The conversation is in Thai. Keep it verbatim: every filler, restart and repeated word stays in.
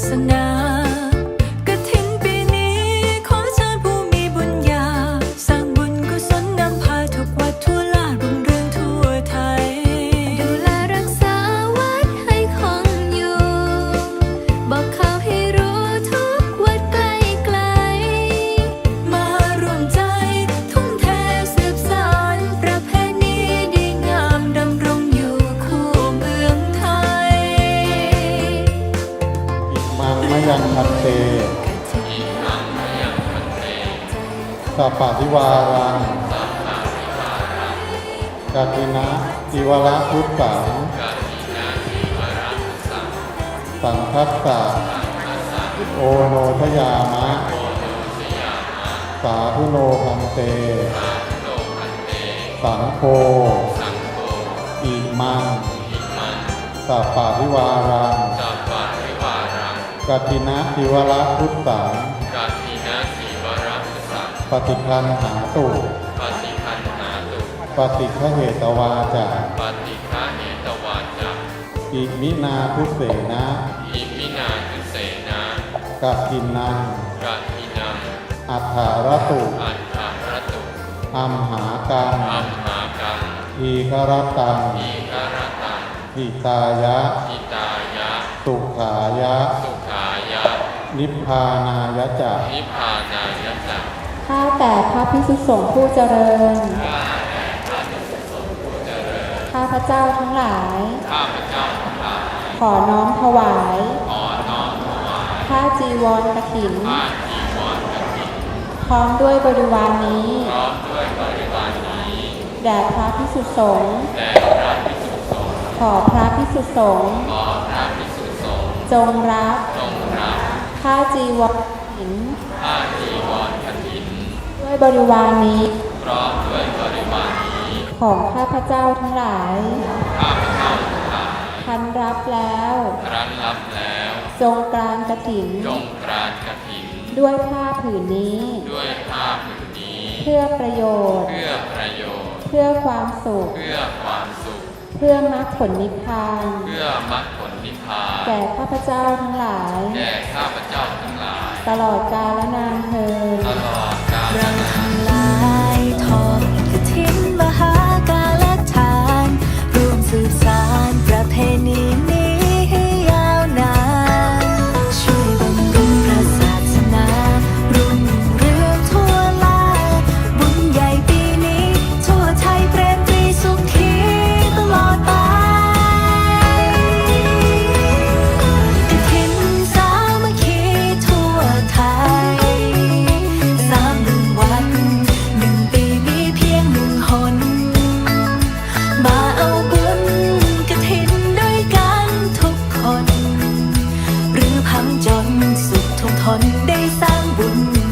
สนากฐินปีนี้ขอเชิญผู้มีบุญญาสร้างบุญกุศลนำพาทุกวัดทั่วลารุ่งเรืองทั่วไทยดูแลรักษาวัดให้คงอยู่บอกข่าวให้รู้ทุกวัดไกลไกลมารวมใจทุ่มเทสืบสานประเพณีดีงามดำรงอยู่คู่เมืองไทยอิมังมะยังพันเตสัพพะทิวารังกฐินะทิวรพุทธังสังคัสสะโอโนทยามะสาธุโนพันเตสังโฆอิมังสัพพะทิวารังกฐินะทิวรพุทธังปฏิคันหาตุปฏิฆเหตวาจาอิมินาทุเสนะกฐินังอัฏฐารตุอัมหากังอีครตังหิตายะสุขายะนิพพานายะจะข้าแต่พระภิกษุสงฆ์ผู้เจริญข้าพระเจ้าทั้งหลายขอน้อมถวายผ้าจีวรกฐินพร้อมด้วยบริวารนี้แด่พระภิกษุสงฆ์ขอพระภิกษุสงฆ์จงรับผ้าจีวรกฐินด้วยบริวารนี้ของข้าพเจ้าทั้งหลายทันรับแล้วจงกรานกฐินด้วยผ้าผืนนี้เพื่อประโยชน์เพื่อความสุขเพื่อมรรคผลนิพพานแก่ข้าพเจ้าทั้งหลายตลอดกาลนานเทอญเราทั้งหลายทอดกฐินมหากาลทานร่วมสืบสานประเพณีนี้ให้ยาวนานช่วยบำรุงพระศาสนารุ่งเรืองทั่วลาบุญใหญ่ปีนี้ทั่วไทยเปรมปรีสุขีตลอดไปกฐินสามัคคีทั่วไทยสามหนึ่งวันหนึ่งปีมีเพียงหนึ่งหนมาเอาบุญกฐินด้วยกันทุกคนหรือพังจนสุขทุกทนได้สร้างบุญ